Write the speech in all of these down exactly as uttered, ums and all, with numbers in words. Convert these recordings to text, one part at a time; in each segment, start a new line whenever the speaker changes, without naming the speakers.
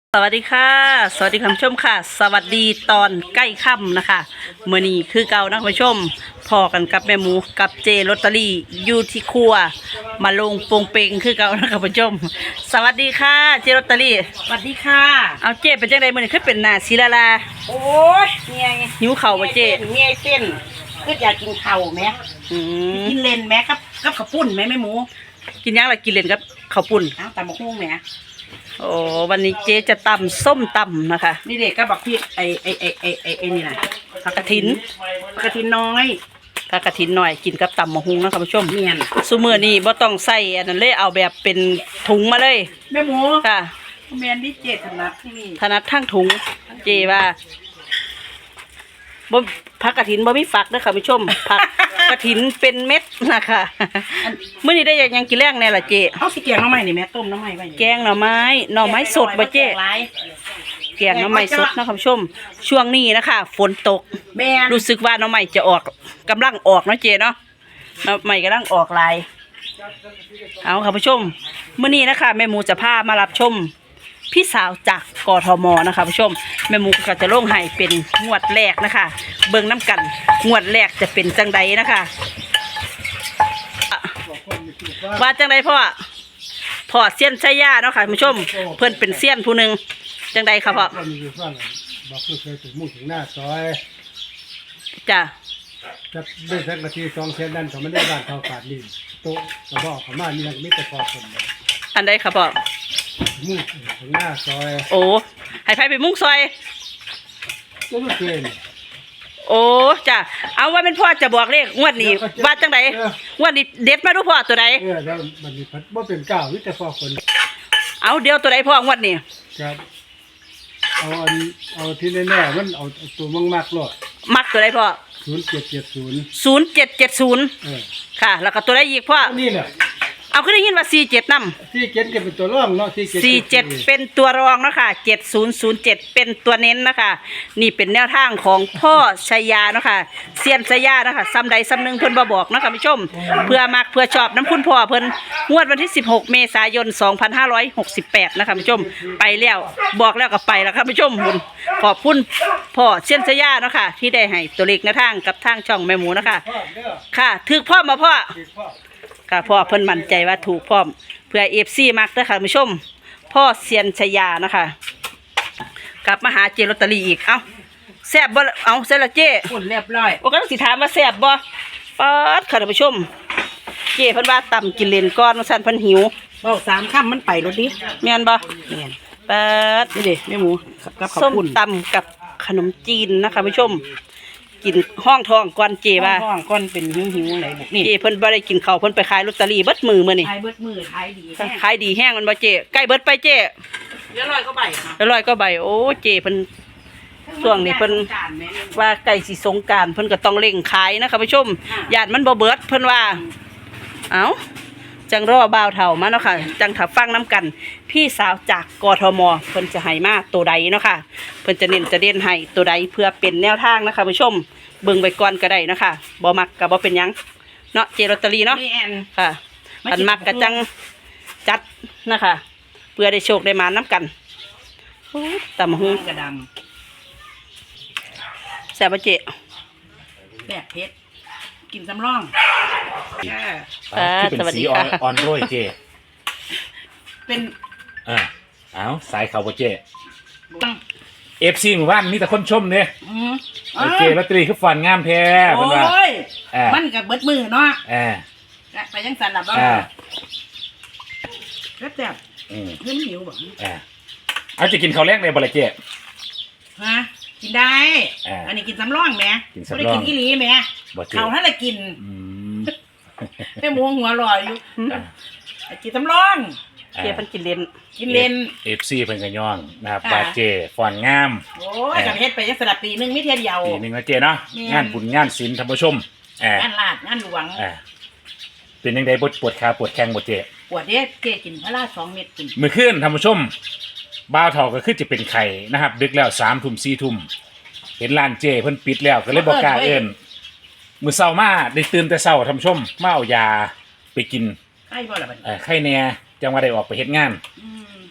สวัสดีค่ะสวัสดีคุณผู้ชมค่ะสวัสดีตอนใกล้ค่ำนะคะเมื่อนี้คือเก่านะคุณผู้ชมพอกันกับแม่หมูกับเจลอตเตอรี่อยู่ที่ครัวมาลงโปงเปงคือเก่านะคุณผู้ชมสวัสดีค่ะเจลอตเตอรี่
สวัสดีค่ะ
เอาเจเป็นจังไดมื้อนี้คือเป็นหน้าสีลาลา
โอ้ยเมีย
หิวเข่าบ่เจ
เมียเส้นคืออยากกินเข่าไหม
อืม
กินเลนไหมครับกับข้าวปุ้นไหมแม่หมู
กินยังล่ะกินเล่นกับข้าวปุ้น
อ้าวตำมะฮุ่งไหม
โอ้วันนี้เจจะตำส้มตำนะคะ
นี่เด็กก็บอกพี่ไอไอไอไอไอไอนี่นะผักกระถินผักกระถินน้อย
ผักกระถินหน่อยกินกับตำมะฮุงนะคุณผู้ชม
เมียน
ซุมื้อนี้บ่ต้องใส่อันนั้นเลยเอาแบบเป็นถุงมาเลย
แม่หมู
ค่ะ
เมียนที่เจ็ดถนัดที่นี่
ถนัดทั้งถุงเจว่าบ่ผักกระถินบ่มีฝักนะค่ะผู้ชมผักกระถินเป็นเม็ดนะคะมื้อนี้ได้ยังกินแรงแน่ล่ะเจ
เอาสิแกงหน่อไม้นี่แม่ต้มหน่อไม้ไว้
แกงหน่อไม้หน่อไม้สดบ่เจแกงหน่อไม้สดนะคุณผู้ชมช่วงนี้นะคะฝนตกรู้สึกว่าหน่อไม้จะออกกำลังออกเนาะเจเนาะหน่อไม้กำลังออกลายเอาค่ะผู้ชมมื้อนี้นะคะแม่หมูจะพามารับชมพี่สาวจากกทมนะคะผู้ชมแม่หมูก็จะลงให้เป็นงวดแรกนะคะเบิ่งน้ำกันงวดแรกจะเป็นจังใดนะคะว่าจังใดพ่อพ่อเซียนชัยยาเนาะค่ะผู้ชมเพื่อนเป็นเซียนผู้หนึ่งจังใดค่ะพ่อ
บอกคือเคยถึงมุ่งถึงหน้าซอย
จ้ะ
จะได้สักนาทีสองเซนดันเขาไม่ได้บ้านเขาขาดลิ้นโต๊ะกระบอกเขามานี่ยังไม่แต่พอคน
อันใดค่ะพ่อ
มุ่งถึงหน้าซอย
โอ้ให้ไฟไปมุ่งซอย
ก็ไม่เคย
โอ้จ้ะเอาว่าเป็นพ่อจะบอกเลขงวดนี้ว่าจังไดงวดนี้เด็ดมาดูพ่อตัวใด
เออแล้วมันมีพัดว่าเป็นเก้าวิแต่พอคน
เอาเดี๋ยวตัวใดพ่องวดนี้
ครับเอาอันเอาที่แน่ๆมันเอาตัวมั่งมากหรอก
มักตัวใดพ่อ
ศูนย์เจ็ดเจ็ดศูนย์
ศูนย์เจ็ดเจ็ดศูนย์ค่ะแล้วก็ตัวใดอีกพ่อ
นี่แหละ
เอาขึ้นได้ยินว่าสี่เจ็ดน
ำสี่เจ็ดเป็นตัวรองเนาะ
สี่เจ็ดเป็นตัวรองนะคะเจ็ดศูนย์ศูนย์เจ็ดเป็นตัวเน้นนะคะนี่เป็นแนวทางของพ่อชัยยานะคะเซียนชัยยานะคะซ้ำใดซ้ำหนึ่งเพิ่นบ่บอกนะคะผู้ชมเพื่อมักเพื่อชอบน้ำคุณพ่อเพิ่นงวดวันที่สิบหกเมษายนสองพันห้าร้อยหกสิบแปดนะคะผู้ชมไปแล้วบอกแล้วก็ไปแล้วค่ะผู้ชมขอบคุณพ่อเซียนชัยยานะคะที่ได้ให้ตัวเลขแนวทางกับทางช่องแม่หมูนะคะค่ะถือพ่อมาพ่อค่ะพ่อเพิ่นมั่นใจว่าถูกพร้อมเพื่อเอฟซีมักนะคะผู้ชมพ่อเซียนชยานะคะกลับมาหาเจลอตเตอรี่อีกเอ้าแซ่บบ่เอาแซ่บละเจ
ปุ่นเรียบร้อย
โอ้ก็สิถามว่าแซ่บบ่ป๊าดค่ะท่านผู้ชมเจเพิ่นว่าต่ำกินเลนก้อนว่าซั่นเพิ่นหิว
บอกสามค่ำมันไปรถดิ
แม่นบ่
แม่น
ป๊าดนี่ดิแม่หมูกับข้าวปุ้นส้มตำกับขนมจีนนะคะผู้ชมกินห้องทองก่อนเจว่า
ห้องก้อนเป็นหิวหิวอะไรบุกนี่
เจเพิ่นบ่ได้กินข้าวเพิ่นไปขายลอตเตอรี่เบิดมือมื้อนี่
ขายเบิดมือขายดี
ขายดีแห้งมันบ่เจใกล้เบิดไปเจ
เดี๋ยวลอยก็ใบค่ะ
เดี๋ยวลอยก็ใบโอ้เจเพิ่นช่วงนี้เพิ่นว่าใกล้สิสงกรานต์เพิ่นก็ต้องเร่งขายนะคะผู้ชมญาติมันบ่เบิดเพิ่นว่าเอ้าจังรอบ่าวเฒ่ามาเนาะค่ะจังถ้าฟังน้ำกันพี่สาวจากกทมเพิ่นจะให้มาตัวใดเนาะค่ะเพิ่นจะเน้นจะเด่นให้ตัวใดเพื่อเป็นแนวทางนะคะผู้ชมเบิ่งไปก่อนก็ได้นะคะบ่มักก็บ่เป็นหยังเนาะเจลอตเตอรี่เนาะค่ะอันมักก็จังจัดนะคะเพื่อได้โชคได้มาน้ำกันตำหู
กระด
ำแซ่บเจ
แบบเพชรกินสำรอง
สวัสดีค่ะออนโรยเจ
เป็น
อ่าเอาสายเขาบ่เจเอฟซีหมู่บ้านมีแต่คนชมเนี่ยเจลอตเตอรี่คือฝันงามแท้
โอ้ยมันกับเบิดมือเนาะไปยังสันหลับบ้างแล้วแต่เพิ่มหิวบ่
เอาจะกินข้าวแรกเลยบ่ละเจ
ฮะกินได้อันนี้กินสำรองแม่ไม่ได้กินอีหลีแม่เขาถ้าได้กินแม่หมูหัวลอยอยู่กินสำรอง
เจมันกินเลน
กินเลน
เอฟซีเป็นกระย่องนะครับบาเจฟอนงาม
โอ้ยกับเฮ็ดไปยังสลับปีหนึ่งไม่เทียนเดียว
ปีหนึ่งนะเจเนาะงานบุญงานศิลป์ท่านผู้ชม
งานลาดงานหลวง
เป็นยังไงปวดปวดขาปวดแข้งปวดเจ
ปวดเนี่ยเจกินพระราชสองเม็ดกิน
มือขึ้นท่านผู้ชมบ่าวเฒ่าก็คือจะเป็นไข่นะครับดึกแล้วสามทุ่มสี่ทุ่มเห็นร้านเจเพิ่นปิดแล้วก็เลยบอกกล้าเอิ้นมื้อเช้ามาได้ตื่นแต่เช้าท่านผู้ชมมาเอายาไปกิน
ไข้บ่ล่ะบัด
เออไข้แน่จังว่าได้ออกไปเฮ็ดงาน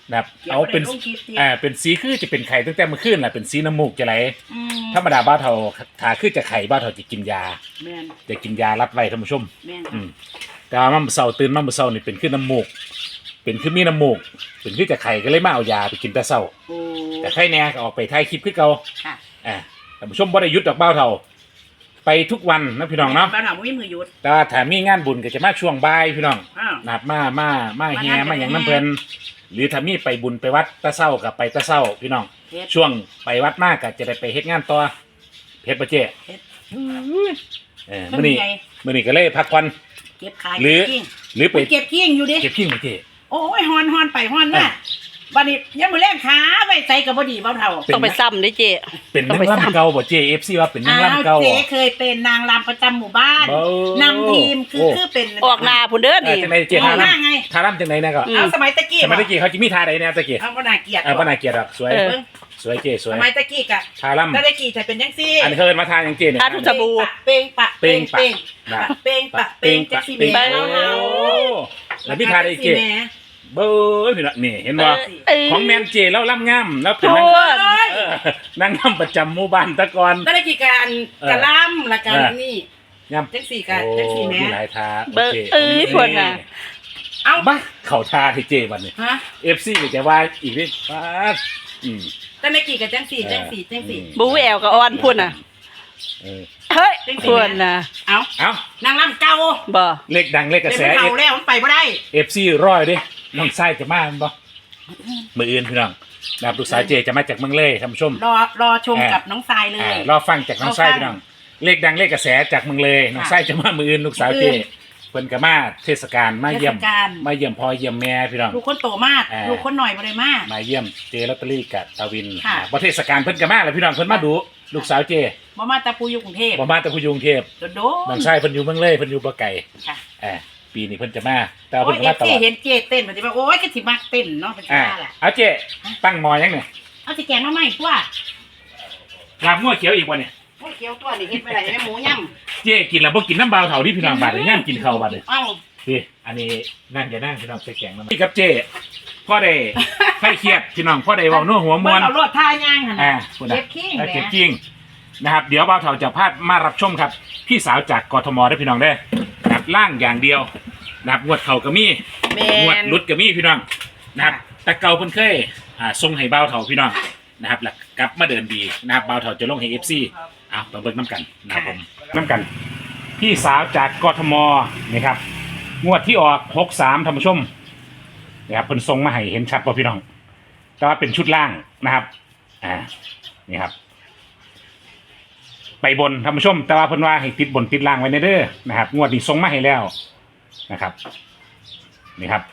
นะครับเอาเป็นอ่าเป็นสีคือจะเป็นไข่ตั้งแต่เมื่อคืนแหละเป็นสีน้ำมูกจะไหลธรรมดาบ้าเท่าถ้าคือจะไข่บ้าเท่าจะกินยา
แม่น
จะกินยารัดไว้ท่านผู้ชม
แม่น
อืมแต่ว่ามันเศร้าตื่นมาเมื่อเศร้านี่เป็นขึ้นน้ำมูก เป็นขึ้นมีน้ำมูก เป็นขึ้นจะไข่ก็เลยมาเอายาไปกินแต่เศร้า
โอ้
แต่ไข่แน่ก็ออกไปถ่ายคลิปคือเก่า
ค่ะ
อ่าท่านผู้ชมบ่ได้หยุดดอกเบ้าเท่าไปทุกวันนะพี่น้องเนาะ
บ้านเราไม่มีมือหยุด
แต่ว่าถ้ามีงานบุญก็จะมาช่วงบ่ายพี่น้อง
อ้าว
นะครับมามามาแฮ
มา
มา
นั่ง
อย่าง
กัน
น้ำเพลินหรือถ้ามีไปบุญไปวัดตะเศร้ากับไปตะเศร้าพี่น้อง
เฮ็ด
ช่วงไปวัดมากก็จะได้ไปเฮ็ดงานต่อเพชรประเจ
เฮ็ด
เออมื้อนี้
ทำไง
มื้อนี้ก็เลยพักผ่อน
เก็บขาย
หรือ
เก็บกิ้ง
หรือไป
เก็บกิ้งอยู่ดิ
เก็บขี้ประเจ
โอ้ยฮอนฮอนไปฮอนน่ะวันนี้ยังมือแรกขาไว้ใส่กับบดีเบาเท่า
ต้องไปซ้ำด้วยเจ๊
เป็น
ต้
นั
องไป
ง
ซ้ำ
รำเก่าบ่เจ เอฟ ซี ว่าเป็นนัง
อ้าว
รำเก่า
เจ๊เคยเป็นนางรำประจำหมู่บ้าน
เบ้อน
ำทีมคือ
โอ้
คือเป็น
ออกหน้าพุ่นเด้อ
เออ
นี่
จังไดเจ
อ
ท่า
อกหน้า
รำ
ไง
ท่ารำจังไดนะก็
อืม
เอาสมัยตะกี้
สมัยตะกี้เขาจะมีท่าใดแน่ตะกี้
เอาก็น่าเกลียด
เออบ่น่าเกลียดดอกสวย
เออ
เบิ่ง
สวยเจสว
ส
ย
มัยตะกี้กะ
ท่ารำ
ถ้าตะกี้จะเป็นยังซี่
อันนี้เขาเอิ้นมาทานอย่างเจเนี่ย
ทาทุก สบู่
เป้งปะเป้ง
เป้
เป้
ง
ง
ปะ
ปะเป้งปะเป้งจักซี่
เป้ง
แม่
ไปแล้ว
โอ้แล้วพี่ทาได้เจ
แม่
เบ้อพี่น้องนี่เห็นบ่
เอ้ย
ของแมนเจแล้วล่ำงามแล้วเป็น
โท
นาง
ษ
เออนั่งนำประจำหมู่บ้านตะกอน
ตะกี้การ
เออ
กะล่ำละกัน
เออ
นี่
งาม
จังสี่กะ
โอ้
จังสี่แม่
มีหลายทา
เบิ่ง
โค
เอ้ยพวกน่ะ
เอา
บ้าเข้าทาให้เจบัดนี้
ฮะ
เอฟซีก็จะว่าอีกนิดป้าดอืม
ตะกี้กะจังสี่จังสี่จังสี่
บูแอลกับออนพุ่นน่ะ
เออ
เฮ้ย
จริงๆ
พุ่นน่ะ
เอา
เอ้าน
างล่ำเก่า
บ่
เลขดังเลขกระ
เป็น
แส
เก่าแล้วมันไปบ่ได้
เอฟซีร้อยเด้น้องไส้จะมาแม่นบ่มืออื่นพี่น้องนะครับลูกสาวเจจะมาจากเมืองเลยท่านผู้ชม
รอรอชม
เออ
กับน้องทรายเล
อ่าย รอฟังจากน้องไส้พี่น้อง เลขดังเลขกระแสจากเมืองเลยน้องไส้จะมามืออื่นลูกสาวเจ
มื้ออื่น
เพิ่นก็มาเทศกาลมาเยี่ยม
เทศกาล
มาเยี่ยมพ่อเยี่ยมแม่พี่น้อง
ลูกคนโตมาก
อ่า
ลูกคนหน่อยบ่ได้มาก
มาเยี่ยมเจลอตเตอรี่กับตาวิน
ค่ะ
อ่าประเทศกาลเพิ่นก็มาแล้วพี่น้องเพิ่นมาดูลูกสาวเจ
บ่มาตะปูอยู่กรุงเทพ
บ่มาแต่ผู้อยกรุงเทพ
โดดโด
น้องชายเพิ่นอยู่เมืองเลยเพิ่นอยู่บ่ไกล
ค่ะ
อ่าปีนี้เพิ่นจะมาแต่ว่า
โอ้
เพิ่
ย
นก็
เอ
มา
ฟ
ต
ซี
ลอด
เห็นเจเต้นมันสิว่าโอ้ยก็สิมักเต้นเนาะเป็น
อ่า
ท่าแหละ
เอาเจตั้งหมอยังเนี่ย
เอาสิแกงมาใหม่ตัว
ลาบงัวเขียวอีกบ่เนี่ย
โอ้ยเกี๊ยวตัวนี่เฮ็ดไปได้แม่หมูย่
เจกินแล้วบ่กินน้ำเบาเท่าที่พี่น้องบาดเดี๋ยวย่างกินข้าวบาดเดี๋ยว
ำเอ้า
พี่อันนี้นั่งอย่านั่งพี่น้องใส่แกงมานี่ครับเจพ่อได้ไข้เครียดพี่น้องพ่อได้เว้านัวหัวม
เบิ่
ว
ง
น
เอารถท่าย่างหั่น
อ่า
น่ะ
พูดนะ
เก็บขี้ง
เออ
แห
เก็บ
ละ
กิ้งนะครับเดี๋ยวเบาเท่าจะพาดมารับชมครับ พี่สาวจากกทมได้อพี่น้องได้อนะครับล่างอย่างเดียวนะครับงวดเข่าก็มี
แม่
งวด
น
รุดก็มีพี่น้องนะครับ
ค่ะ
แต่เก่าเพิ่นเคยอ่าทรงให้เบาเท่าพี่น้องนะครับแล้วกลับมาเดินดีนะครับเบาเท่าจะลงให้ เอฟ ซี เอาไปเบิ่งน้ำกันนะครับผมน้ำกัน พี่สาวจากกทมนี่ครับงวดที่ออกหกสามท่านผู้ชมนะครับเพิ่นทรงมาให้เห็นชัดป่ะพี่น้องแต่ว่าเป็นชุดล่างนะครับอ่านี่ครับ ไปบนท่านผู้ชม แต่ว่าเพิ่นว่าให้ติดบนติดล่างไว้ในเด้อนะครับงวดนี้ทรงมาให้แล้วนะครับนี่ครับ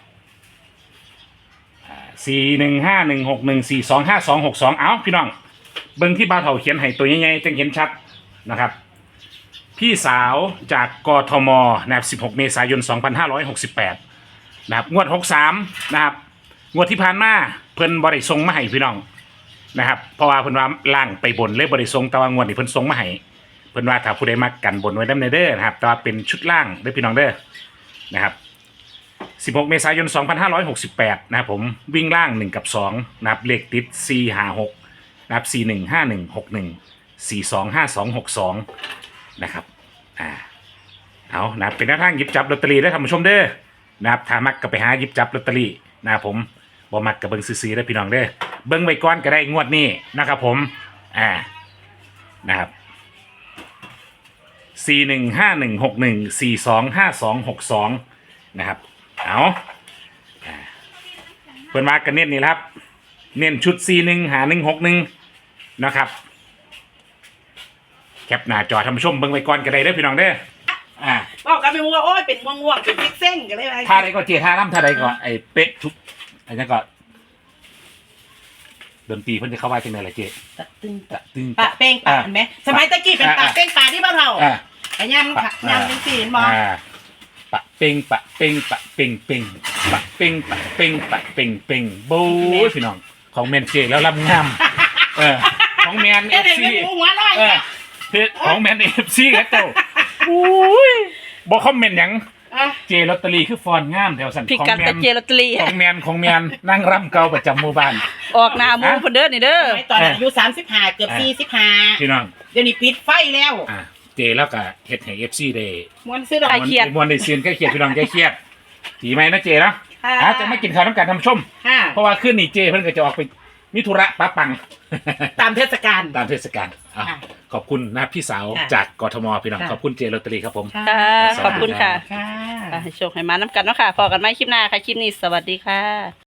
สี่หนึ่งห้าหนึ่งหกหนึ่งสี่สองห้าสองหกสองเอาพี่น้องเบิ่งที่บ่าวเฒ่าเขียนให้ตัวใหญ่ๆจังเห็นชัดนะครับ พี่สาวจากกทมนะครับสิบหกเมษายนสองพันห้าร้อยหกสิบแปดนะครับงวดหกสามนะครับงวดที่ผ่านมาเพิ่นบ่ได้ส่งมาให้พี่น้องนะครับเพราะว่าเพิ่นว่าล่างไปบนเลยบ่ได้ส่งแต่ว่างวดนี้เพิ่นส่งมาให้เพิ่นว่าถ้าผู้ใดมักกันบนไว้นำในเด้อนะครับแต่ว่าเป็นชุดล่างเด้อพี่น้องเด้อนะครับสิบหกเมษายนสองพันห้าร้อยหกสิบแปดนะครับผมวิ่งล่างหนึ่งกับสองนะครับเลขติดสี่ ห้า หกนะครับสี่หนึ่งห้าหนึ่งหกหนึ่งสี่สองห้าสองหกสองนะครับอ่าเอานะครับเป็นหน้าทางหยิบจับลอตเตอรี่ได้ท่านผู้ชมเด้อนะครับถ้ามักก็ไปหาหยิบจับลอตเตอรี่นะครับผมบ่มักกับเบิ้งซื้อๆได้อพี่น้องเด้อเบิ้งไว้ก่อนก็ได้งวดนี้นะครับผมอ่านะครับสี่หนึ่งห้าหนึ่งหกหนึ่งสี่สองห้าสองหกสองนะครับเอาอ่าเพิ่นมากันเน้นนี่แหละครับเน้นชุดสี่หนึ่งหาหนึ่งหกหนึ่งนะครับแคปหน้าจอท่านผู้ชมเบิ่งไว้ก่อนก็ได้เด้อพี่น้องเด้ออ่า
บอกกันไปว่าโอ้ยเป็นง่วงๆเป็นเซ็งๆกันเลยไป
ท่าใดก็เจท่าน้ำท่าใดก็ไอ้เป๊ะทุกไอ้นั่นก็ดนตรีเพิ่นจะเข้าว่าจังได๋ล่ะเจ
ตะตึง
ตะตึง
ปะเป้งปะเห็นไหมสมัยตะกี้เป็นปะเป้งปะที่บ้านเรา
อ่า
ไอ้ยำค่ะยำเป็นสีเห็นบ่
อ่าปะเป่งปะเป่งปะเป่งเป่งปะเป่งปะเป่งปะเป่งเป่งโบ้ยพี่น้องของแมนเจแล้วลำงามเออของแมนเอ
เอ้ย
ฟ
เด็ก
ซี
ไม่หัวร้อย
เออเพจของแมนเอฟซีครับเจ้าอุ้ยบอกคอมเมนต์หยัง
อ่ะ
เจลอตเตอรี่คือฟอนต์งามแถวสัน
พิ
ของ
กัด
แม
ตะ
น
เจลอตเตอรี่
ของแมนของแมนนั่งร่ำเก่าประจำหมู่บ้าน
ออกหน้าหมูเพิ่นเด้อนี่เด้อ
สมัยตอนอายุสามสิบห้าเกือบสี่สิบห้า
พี่น้อง
เดี๋ยวนี้ปิดไฟแล้ว
อ่าเจแล้วก็เฮ็ดให้ เอฟ ซี ได้
มวนซื้อดอก
ใครเครียด
มวนได้เซียนใกล้เครียดพี่น้องใกล้เครียดดีไหมนะเจเนาะ
ค่ะ
อ่ะจะไม่กินข้าวน้ำกันทำชม
ค่ะ
เพราะว่าขึ้นนี่เจเพิ่นก็จะออกไปมิธุระป้าปัง
ตามเทศกาล
ตามเทศกาลอ่ะ
ค่ะ
ขอบคุณนะพี่สาว
ค่ะ
จากกทมพี่น้อง
ค่ะ
ขอบคุณเจลอตเตอรี่ครับผม
ค่ะ
ค่ะขอบคุณค่ะ
ค่ะ
อ่ะให้โชคให้มาน้ำกันเนาะค่ะพอกันไหมคลิปหน้าค่ะ คลิปนี้สวัสดีค่ะ